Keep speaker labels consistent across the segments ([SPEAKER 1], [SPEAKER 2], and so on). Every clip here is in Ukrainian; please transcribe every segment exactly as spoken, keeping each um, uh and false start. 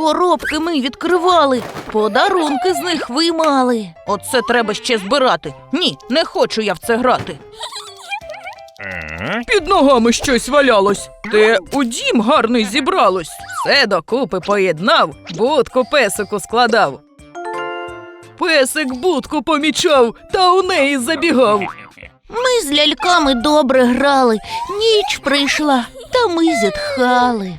[SPEAKER 1] Коробки ми відкривали, подарунки з них виймали. Оце треба ще збирати. Ні, не хочу я в це грати. Під ногами щось валялось. Те у дім гарний зібралось. Все докупи поєднав, будку песику складав. Песик будку помічав, та у неї забігав. Ми з ляльками добре грали, ніч прийшла, та ми зітхали.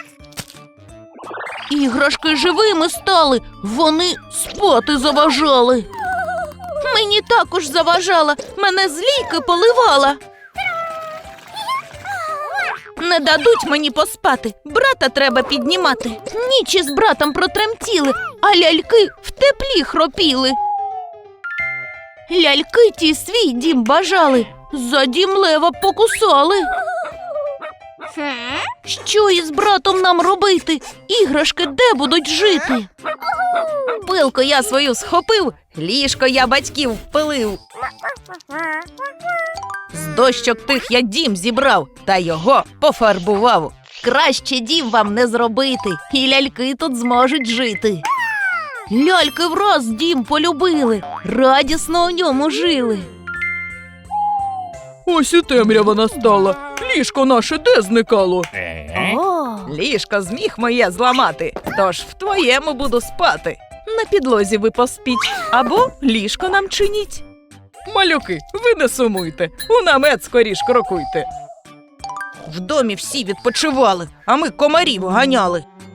[SPEAKER 1] Іграшки живими стали, вони спати заважали. Мені також заважала, мене з лійки поливала. Не дадуть мені поспати, брата треба піднімати. Ніч із братом протремтіли, а ляльки в теплі хропіли. Ляльки ті свій дім бажали, за дім лева покусали. Що із братом нам робити? Іграшки де будуть жити? Пилку я свою схопив, ліжко я батьків впилив. З дощок тих я дім зібрав, та його пофарбував. Краще дім вам не зробити, і ляльки тут зможуть жити. Ляльки враз дім полюбили, радісно у ньому жили. Ось і темрява настала. Ліжко наше де зникало? О, ліжко зміг моє зламати, тож в твоєму буду спати. На підлозі ви поспіть, або ліжко нам чиніть. Малюки, ви не сумуйте, у намет скоріш крокуйте. В домі всі відпочивали, а ми комарів ганяли.